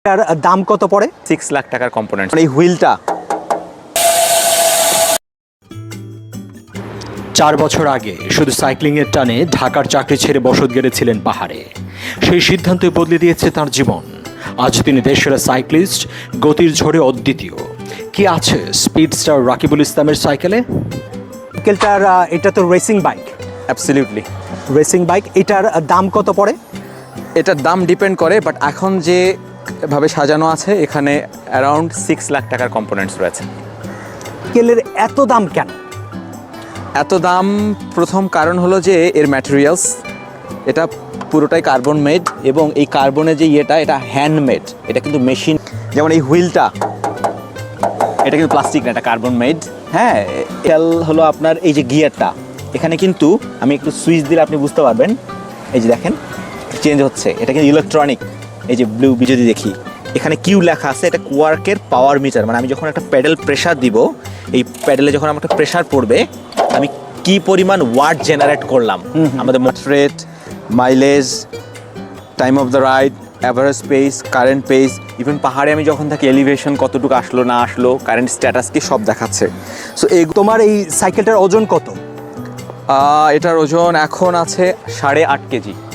এর দাম কত পড়ে? 6 লাখ টাকার কম্পোনেন্ট। এই হুইলটা 4 বছর আগে শুধু সাইক্লিংয়ের টানে ঢাকার চাকরি ছেড়ে বসত গেড়েছিলেন পাহাড়ে। সেই সিদ্ধান্তই বদলে দিয়েছে তার জীবন। আজ তিনি দেশসেরা সাইক্লিস্ট, গতির ঝড়ে অদ্বিতীয়। কি আছে স্পিডস্টার রাকিবুল ইসলামের সাইকেলে? সাইকেলটার এটা তো racing bike. Absolutely. Racing bike, এটার দাম কত পড়ে? এটার দাম ডিপেন্ড করে, বাট এখন যে ভাবে সাজানো আছে এখানে অ্যারাউন্ড 6 লাখ টাকার কম্পোনেন্টস রয়েছে। সাইকেলের এত দাম কেন? এত দাম প্রথম কারণ হলো যে এর ম্যাটেরিয়ালস, এটা পুরোটাই কার্বন মেড, এবং এই কার্বনের যে এটা হ্যান্ডমেড, এটা কিন্তু মেশিন। যেমন এই হুইলটা, এটা কিন্তু প্লাস্টিক না, এটা কার্বন মেড। হ্যাঁ, খেয়াল হলো আপনার এই যে গিয়ারটা, এখানে কিন্তু আমি একটু সুইচ দিলে আপনি বুঝতে পারবেন, এই যে দেখেন চেঞ্জ হচ্ছে, এটা কিন্তু ইলেকট্রনিক। এই যে ব্লু যদি দেখি এখানে কিউ লেখা আছে, এটা কোয়ার্কের পাওয়ার মিটার। মানে আমি যখন একটা প্যাডেল প্রেশার দিব, এই প্যাডেলে যখন আমার একটা প্রেশার পড়বে, আমি কি পরিমাণ ওয়াট জেনারেট করলাম। আমাদের মোট rate, mileage, time of the ride, average pace, current pace, even পাহাড়ে আমি যখন থাকি এলিভেশন কতটুকু আসলো না আসলো, কারেন্ট স্ট্যাটাস কি, সব দেখাচ্ছে। সো এই তোমার এই সাইকেলটার ওজন কত? এটার ওজন এখন আছে 8.5 কেজি।